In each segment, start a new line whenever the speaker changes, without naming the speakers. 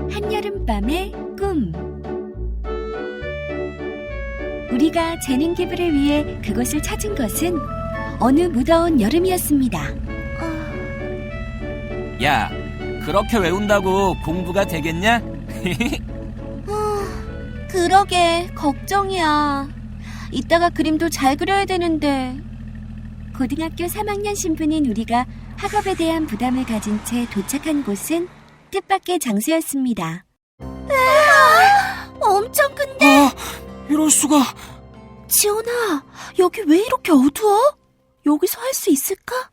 한여름밤의 꿈. 우리가 재능 기부를 위해 그곳을 찾은 것은 어느 무더운 여름이었습니다.
야, 그렇게 외운다고 공부가 되겠냐?
그러게 걱정이야. 이따가 그림도 잘 그려야 되는데. 고등학교 3학년 신분인 우리가 학업에 대한 부담을 가진 채 도착한 곳은 뜻밖의 장소였습니다. 엄청 큰데?
이럴 수가.
지원아, 여기 왜 이렇게 어두워? 여기서 할 수 있을까?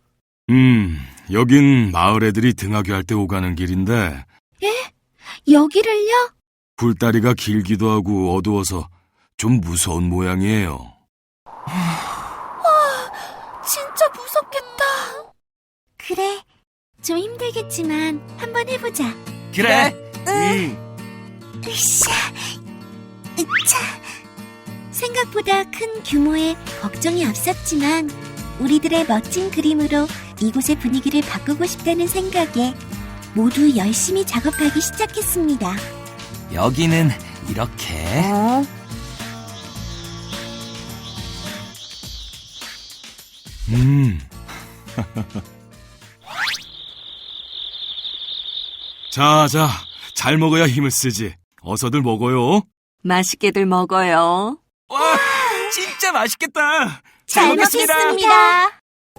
여긴 마을 애들이 등하교 할 때 오가는 길인데
여기를요?
불다리가 길기도 하고 어두워서 좀 무서운 모양이에요.
진짜 무섭겠다. 그래, 좀 힘들겠지만 한번 해보자.
그래.
으쌰, 으차. 생각보다 큰 규모에 걱정이 앞섰지만 우리들의 멋진 그림으로 이곳의 분위기를 바꾸고 싶다는 생각에 모두 열심히 작업하기 시작했습니다.
여기는 이렇게.
자, 잘 먹어야 힘을 쓰지. 어서들 먹어요.
맛있게들 먹어요.
와, 진짜 맛있겠다.
잘 먹겠습니다.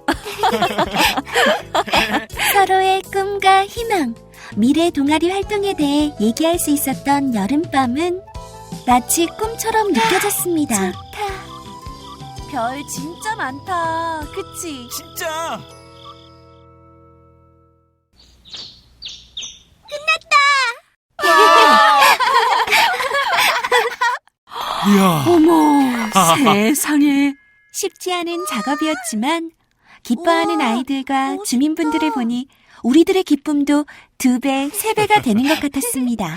서로의 꿈과 희망, 미래 동아리 활동에 대해 얘기할 수 있었던 여름밤은 마치 꿈처럼 느껴졌습니다. 좋다. 별 진짜 많다. 그치?
진짜.
이야.
어머, 세상에. 쉽지 않은 작업이었지만 기뻐하는 아이들과 주민분들을 보니 우리들의 기쁨도 2배, 3배가 되는 것 같았습니다.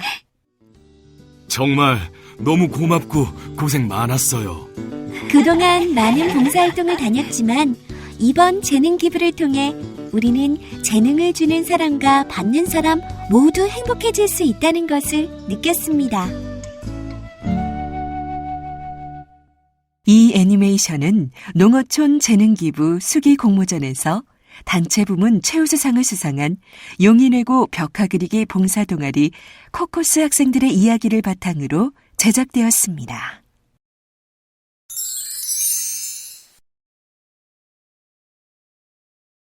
정말 너무 고맙고 고생 많았어요.
그동안 많은 봉사활동을 다녔지만 이번 재능 기부를 통해 우리는 재능을 주는 사람과 받는 사람 모두 행복해질 수 있다는 것을 느꼈습니다.
이 애니메이션은 농어촌 재능기부 수기 공모전에서 단체 부문 최우수상을 수상한 용인외고 벽화 그리기 봉사동아리 코코스 학생들의 이야기를 바탕으로 제작되었습니다.